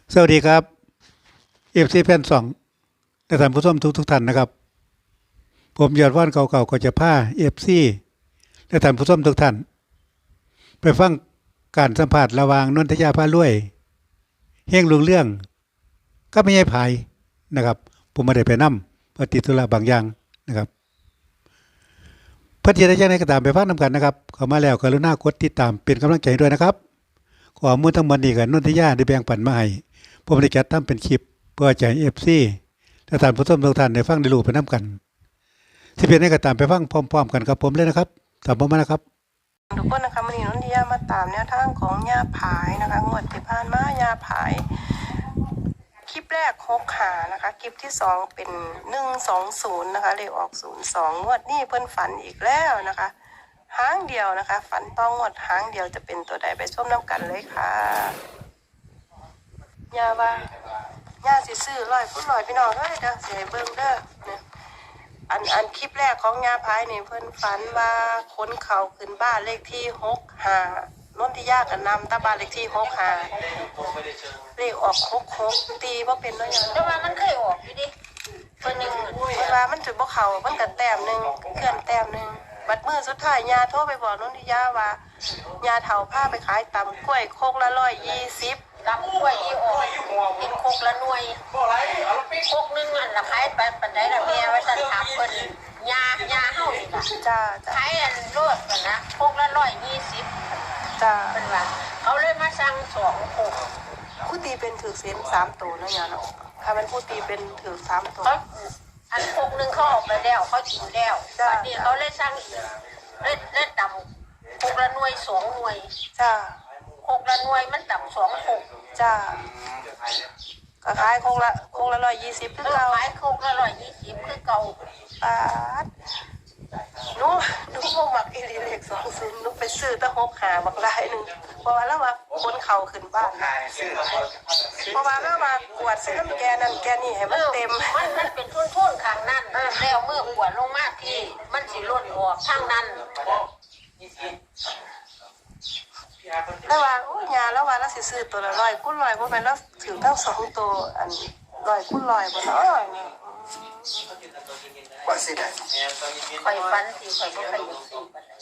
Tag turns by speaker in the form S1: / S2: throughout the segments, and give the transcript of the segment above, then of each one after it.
S1: สวัสดีครับเอฟซีแฟนสองและท่านผู้ชมทุกท่านนะครับผมยอดว่านเก่าๆก็จะพาเอฟซีและท่านผู้ชมทุกท่านไปฟังการสัมภาษณ์ระหว่างนนทยาพารวยเฮงลุงเรื่องก็ไม่ใช่ภายนะครับผมไม่ได้ไปนํเพราะติดธุระบางอย่างนะครับเพื่อที่จะยังไงก็ตามไปฟังนำกันนะครับเข้ามาแล้วกรุณากดติดตามเป็นกำลังใจด้วยนะครับข้อมูลทั้งหมดนี้กับนนทยาได้แบ่งปันมาให้ผมได้จัดทำเป็นคลิปเพื่อจะให้ FC และท่านผู้ชมทุกท่านได้ฟังได้รู้ไปนํกันสิเป็นให้ก็ตามไปฟังพร้อมๆกันครับผมเลยนะครับตามผมมานะครับ
S2: ทุกคนนะคะวันนี้นนทิยามาตามแนวทางของยาผายนะคะงวดที่ผ่านมายาผายคลิปแรก6 หานะคะคลิปที่2เป็น120นะคะเลขออก02งวดนี้เพิ่นฝันอีกแล้วนะคะหางเดียวนะคะฝันต้องงวดหางเดียวจะเป็นตัวใดไปชมน้ำกันเลยค่ะยาว่าย่าสิซื้อ100 พี่น้องเฮ้ยเด้อสิให้เบิ่งเด้อเนี่ยอันคลิปแรกของยาพายนี่เพิ่นฝันว่าคนเขาขึ้นบ้านเลขที่65นนทิยาก็นำตาบ้านเลขที่65เลขออก66ตีบ่เป็นเนาะยาแต่ว่ามันเคยออกอยู่ดิเพิ่นนึงเวลามันจุดบ่เข้ามันก็แต้มนึงเคลื่อนแต้มนึงบัดมื้อสุดท้ายยาโทรไปบอกนนทิยาว่ายาเฒ่าพาไปขายตำกล้วยโคกละ120ตำกล้วยอีออกกินโคกละหน่วยโคกนึงอันละขายไปปานใดล่ะแม่ว่าซั่นถามเพิ่นยาเฮานี่ล่ะจ้าขายอันโลดกันนะโคกละ120จ้าเพิ่นว่าเขาเลยมาสั่ง2โคกผู้ตีเป็นถือเส้น3ตัวนะยาเนาะถ้ามันผู้ตีเป็นถือ3ตัวอันโคกนึงเขาออกไปแล้วเขากินแล้วบัดนี้เขาเลยสั่งอีกเลยตำโคกละหน่วย2หน่วยจ้าโคกละหน่วยมันต่ำ2โคกจ้าก็ขายโคกละ120คือเก่าขายโคกละ120คือเก่าปาดหนูบ่มักอีหลีเลข20หนูไปซื้อตะ6 หาบักหลายนึงเพราะว่าแล้วว่าคนเขาขึ้นบ้านเพราะว่าแล้วว่ากวดซื้อน้ำแกนั่นแกนี่ให้มันเต็มมันเป็นทุ่นๆข้างนั้นแล้วเมื่อกวดลงมาที่มันสิล้นออกทางนั้นแล้วว่าโอ้ยาแล้วว่าเราสิซื้อตัวละ100คูณ100บ่แม่นแล้วถือทั้ง2ตัวอัน100คูณ100บ่เนาะ
S3: ว่าสิได้
S2: ข่อยฝันสิข่อยบ่เคยซื้อปานใด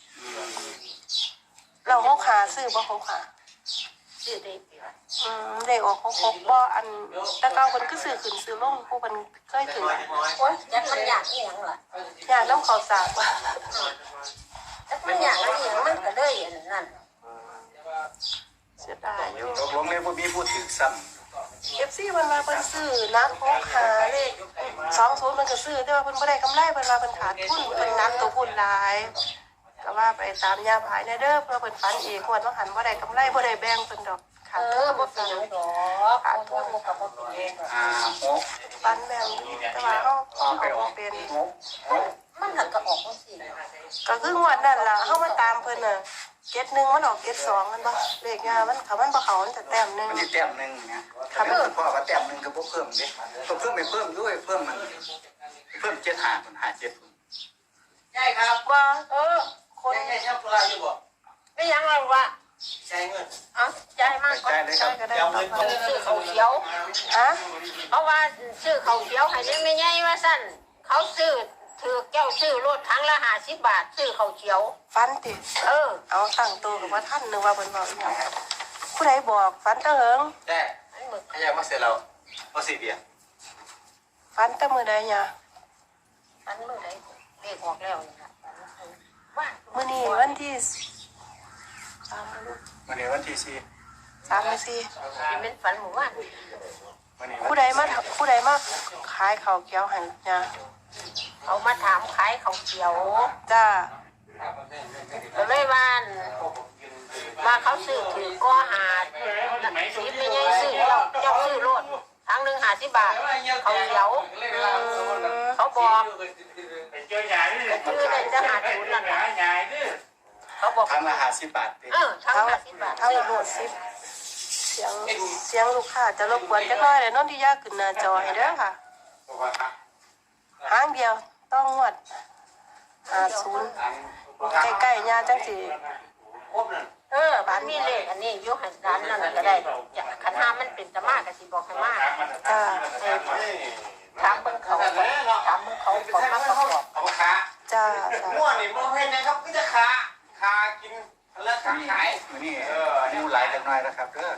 S2: เรา6 หาซื้อบ่6 หาซื้อได้เลขออก66บ่อันแต่เก่าเพิ่นคือซื้อขึ้นซื้อลงผู้เพิ่นเคยถือโอ๊ยจักมันยากอีหยังล่ะยากนำข้าวสารจักมันยากอีหยังมันก็เลยอันนั้นเสียดายอยู่
S3: ผมเลยบ่มีพูดถึงซ้
S2: ำFC เพิ่นว่าเพิ่นซื้อนัก6 หาเลข20เพิ่นก็ซื้อแต่ว่าเพิ่นบ่ได้กำไรเพิ่นว่าเพิ่นขาดทุนเพิ่นนักตัวหุ้นหลายก็ว่าไปตามยาภายในเด้อเพื่อเพิ่นฝันอีกงวดว่าหันบ่ได้กำไรบ่ได้แบ่งเพิ่นดอกขาดทุนบ่เป็นหยังดอกขาดทุนบ่ก็บ่เป็น
S3: 6
S2: ฝันแบ่งแต่ว่าเฮาบ่เป็นมันหันก็ออกจังซี่ก็คืองวดนั้นล่ะเฮามาตามเพิ่นน่ะ71มันออก72มันบ่เลขยามันเขามันบ่เข้ามันจะแต้มนึง
S3: มันสิแต้มนึงนะถ้ามันพอว่าแต้มนึงก็บ่เพิ่มเด้เพิ่มไปเพิ่มด้วยเพิ่มมันเพิ่ม75คน57ใช่ครับ
S2: ว่าคน
S4: ใช่ชอบอะไรอยู่บ่
S2: ไม่ยังหรอกว่า
S4: ใช่เงิน
S2: ใจมากก็ได้ซื้อข้าวเขียวเพราะว่าซื้อข้าวเขียวให้ไม่ใหญ่ว่าสั่นเขาซื้อถือแก้วซื้อรถทั้งละ50 บาทซื้อข้าวเขียวฟันติเอาตั้งตัวกับว่าท่านนึกว่าเป็นบอกอย่างผู้ใดบอกฟันตะเหิง
S3: ได้ขยับมาเสร็จแล้วบ่สิเบีย
S2: ฟันตะมือใดเนี่ยฟันมือใดเลขออกแล้วนี่ค่ะมื้อนี้วันที่
S3: วันนี้วันที่
S2: 4เป็นฝันหมู่บ้านผู้ใดมาขายข้าวเขียวให้เนี่ยเขามาถามขายข้าวเขียวจ้าก็เลยว่าเขาซื้อถือก็หาสิบไม่ใช่ซื้อเจ้าซื้อรถทั้งหนึ่ง50 บาทข้าวเขียวเขาบอกคือได้จะหาทุนนั่นแหละเขาบอก
S3: ทั้งละ50 บาท
S2: ทั้ง50 บาททั้งรถเสียงลูกค้าจะรบกวนจักหน่อยเลยนนทิยาขึ้นหน้าจอให้เด้อค่ะหางเดียวต้องงวด50ใกล้ๆยาจังสิ
S5: มันมีเลขอันนี้อยู่ให้ร้านนั่นก็ได้จะคันห้ามันเป็นตะมากก็สิบอกให้มาก
S2: จ้า
S5: ถามเบิ่งเขาก่อนถามเบิ่งเขาก่อนมาประกอบ
S4: เอาขา
S2: จ้า
S4: ม่วนนี่มันเห็นนะครับก็จะขากินแล้วขาขาย
S3: มื้อนี้ดูหลายจังหน่อยนะครับเด้อ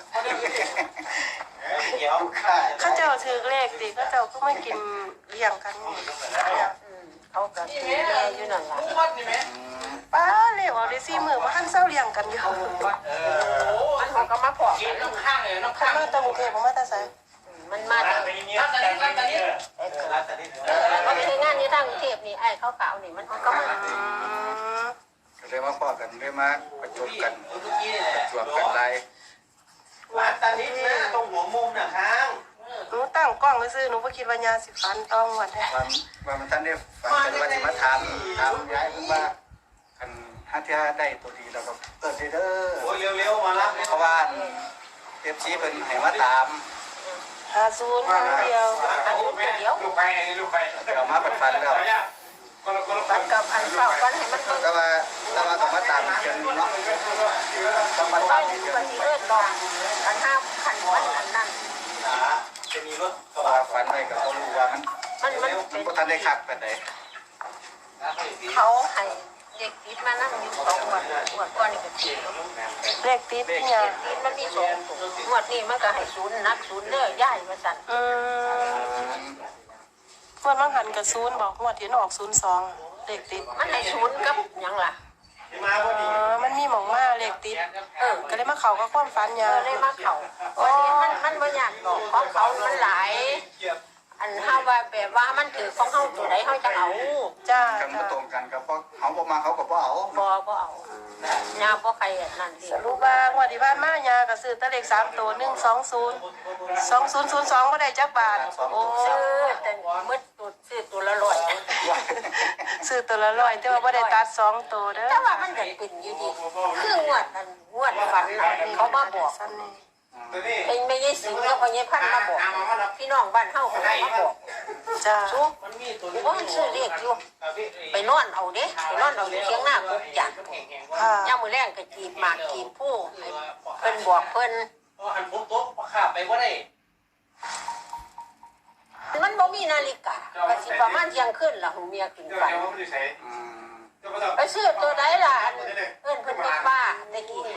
S4: เดี๋ยว
S3: ลูกค้า
S2: เข้าเจ้าถือเลขดิเข้าเจ้าก็ไม่กินเลี้ยงกันนี่เนี่ย
S5: เขาก็สิแม่อยู่นั่นล่ะ
S4: มุ้งวัดนี่ไหม
S2: ป้าเลขออกได้4 มื้อบ่ทันเซาเลี้ยงกันอยู่
S5: มันเขาก็มาพอก
S4: กินน้ำข้างเลยน้ำ
S2: ข้า
S4: ข้าง
S2: มาตะกรุงเทพบ่มาแต่ไส
S5: มันมาจาก
S4: รัตนิรัตนิรัตนิ
S5: เขาไปงานอยู่ทางกรุงเทพนี่ไอ้เขาขาวนี่มันก็มา
S2: อืม
S3: ก็เลยมาพ้อกันเลยมาประชุมกัน
S4: เมื่อกี้เนี่ย
S3: จวบกันหลาย
S4: รัตนินะตรงหัวมุมน่ะค้าง
S2: หนูตั้งกล้องไว้ซื้อหนูบ่คิดว่ายาสิฟันต้องวัดแท้
S3: ว่ามันท่านได้ฟังกันว่าสิมาถามยายเพิ่นว่าคันหาเที่ยได้ตัวดีแล้วก็เปิดเด้อ
S4: โอ้ยเร็วๆมารับ
S3: เพราะว่า FC เพิ่นให้มาตาม
S2: 50ครั้งเดียว
S5: อันนี้เดียว
S4: ลูกไปลูกไป
S3: เอามาปัดฟันแล้ว
S5: บัดกับอันเข้ากันให้มันเบิ่ง
S3: ก็ว่าต้องมาตามเชิงเนาะต้องมาตามเชิง
S5: ก็สิเอิ้นดอกคันห้าคันมันอันนั้น
S4: จะมีรถ
S3: เพราะว่าฟันไปก็บ่รู้ว่ามัน
S5: มัน
S3: มัน
S5: เป็น
S3: บ่ทันได้คักปานใด
S5: เขาให้เด็กติดมานั่งอยู่2งวดก่อนนี่ก็ติด
S2: เลขติดเนี่ย
S5: ติดมันมี2ตัวงวดนี้มันก็ให้ศูนย์นักศูนย์เด้อย่ายว่าซั่น
S2: งวดบางหันกับ0บอกงวดที่ออก02เลขติด
S5: มันให้ศูนย์กับหยังล่ะ
S4: มาพอดี
S2: มันมีหม่องมาเลขติดก็เลยมาเข้ากับความฝันยา
S5: เลยมาเข้าวันนี้มันบ่ยากดอกของเขามันหลาย อันเฮาว่าแบบว่ามันถือของเฮาตัวใดเฮาจะเอา
S2: จ้า
S3: กันบ่ตรงกันก็เพราะเขาบ่มาเขาก็บ่เอา
S5: บ่เอายาบ่ใครนั่นดิ
S2: สรุปว่างวดที่ผ่านมายาก็ซื้อแต่เลข3ตัว120 2002บ่ได้จักบาทโอ้
S5: ซื้อแต่มืดตัวซื้อตัวละร้อย
S2: ซื้อตัวละ100แต่ว่าบ่ได้ตัด2ตัวเด้อ
S5: แต่ว่ามันก็เป็นอยู่ดีคืองวดนั้นงวดฝันน่ะเขามาบอก
S2: ซั่นนี่
S5: เป็นไม่ใช่สิงแล้วก็ยายพันมาบอกพี่น้องบ้านเฮาก็มาบอก
S2: จ้า
S5: ซุว่ามันซื้อเรียกอยู่ไปนอนเอาเด้ไปนอนเอาอยู่เชียงหน้ากุกจัก
S2: ค่ะ
S5: ย่ามมื้อแรงก็จีบหมากจีบผู้ให้เพิ่นบอกเพิ่น
S4: หันผมโต๊ะขาไปว่าได้
S5: มันบ่มีนาฬิกาก็สิประมาณเที่ยงคืนล่ะหูเมียขึ้นไป
S3: อืม
S5: ไปซื้อตัวใดล่ะอันเอิ้นเพิ่นเป็นป้าตะกี้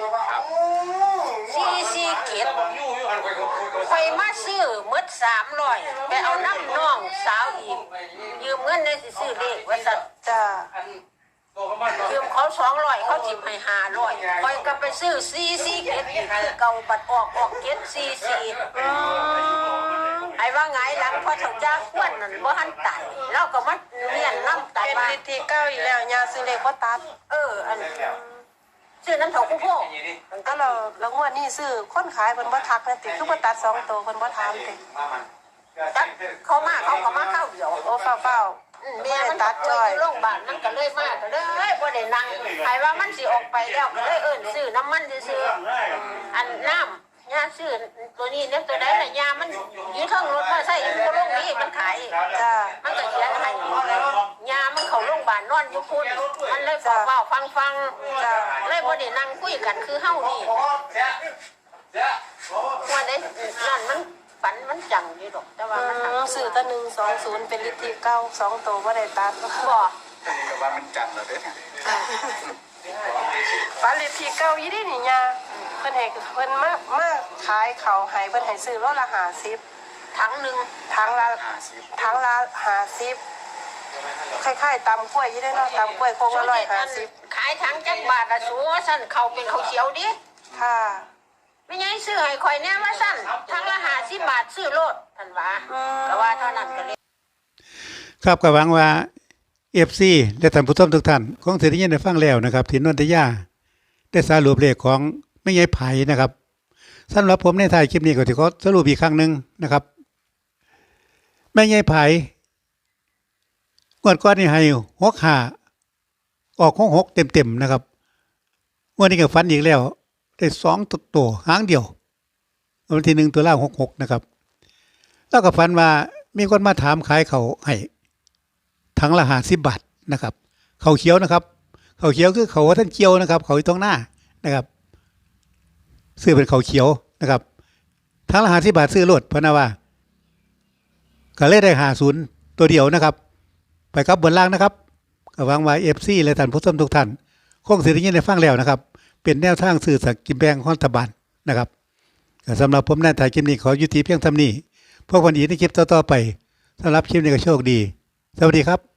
S5: 44เกต
S4: ยู่หันไป
S5: ข่อยมาซื้อหมด300ไปเอาน้ำน้องสาวอีกยืมเงินได้สิซื้อเลขว่าซั่น
S2: จ้า
S5: ยืมเขา200เขาจิบให้500ข่อยก็ไปซื้อ44เกตเก่าบัดออกเกต44ไอ้ว่าไงหลังพอเฒ่าจ้าควนนั่นบ่ทันตายแล้วก็มาเรียนน้ำตาย
S2: เป็น
S5: มา
S2: ฤทธิ์ที่เก้าอีกแล้วยาซื้อเลขบ่ตัด
S5: อันซื้อน้ำเถาคู่พ่อ
S2: ก็เรางวดนี้ซื้อคนขายเพิ่นบ่ทักนะติคือบ่ตัด2ตัวเพิ่นบ่ถามติ
S5: จักเขามาเขาก็มาเข้าเดียว
S2: โอ้เฝ้า
S5: แม่มันตัดจ้อยอยู่โรงพยาบาลมันก็เลยมาก็เลยบ่ได้นั่งไอ้ว่ามันสิออกไปแล้วก็เลยเอิ้นซื้อน้ำมันซื้ออันน้ำยาซื้อตัวนี้เนี่ยตัวใดล่ะยามันอยู่เทิงรถมาใส่อยู่โรงนี้มันขาย
S2: ๆจ้า
S5: มันก็เขียนให้ยามันเข้าโรงพยาบาลนอนอยู่พุ่นมันเลยเฝ้าฟังเลยบ่ได้นั่งคุยกันคือเฮานี่ว่าได้นั่นมันฝันมันจังอยู่ดอกแต่ว่ามัน
S2: ซื้อแต่120เป็นฤทธิ์ที่เก้า2ตัวบ่ได้ตัด
S5: บ่
S3: ก็ว่ามันจัดแล้วเด้อ
S2: ฝันฤทธิ์ที่เก้าอีนี่นี่ยาเพิ่นให้เพิ่นมาขายข้าวให้เพิ่นให้ซื้อโลละ50
S5: ถังหนึง
S2: ถังละ
S3: 50
S2: ถังละ50คล้ายๆตำกล้วยอยู่ได้เนาะตำกล้วยโคกละ150
S5: ขายถังจักบาทละสูสั่นเขาเป็นเขาวเขียวดิ
S2: ค่ะ
S5: ไม่ใช่ซื้อให้ข่อยแน่ว่าสั่นถังละ50บาทซื้อโลดท่านว่าก็ว่าเท่านั้นก็เลย
S1: ครับก็หวังว่า FC และท่านผู้ชมทุกท่านคงสิได้ยินได้ฟังแล้วนะครับที่นนทยาได้สรุปเลขของแม่ยายไผนะครับสำหรับผมในท้ายคลิปนี้ก็สิขอสรุปอีกครั้งหนึงนะครับแม่ยายไผงวดก่อนนี่ให้65ออก66เต็มๆนะครับงวดนี้ก็ฝันอีกแล้วได้2ตัวหางเดียววันที่1ตุลาคม66นะครับแล้วก็ฝันว่ามีคนมาถามขายเขาวให้ถังละ50 บาทนะครับเขาวเขียวนะครับเขาวเขียวคือเขาวว่าท่านเจียวนะครับเขาอยู่ตรงหน้านะครับซื้อเป็นเขาวเขียวนะครับทั้งละ50 บาทซื้อรถพะนะว่าก็เลยได้50ตัวเดียวนะครับ ไปกับบนล่างนะครับก็หวังว่า FC และท่านผู้ชมทุกท่านคงสิได้ยินได้ฟังแล้วนะครับ เป็นแนวทางซื้อสลากกินแบ่งของรัฐบาลนะครับก็สำหรับผมในถ่ายคลิปนี้ขอยุติเพียงเท่านี้พบกันอีกในคลิปต่อๆไปสำหรับคลิปนี้ก็โชคดีสวัสดีครับ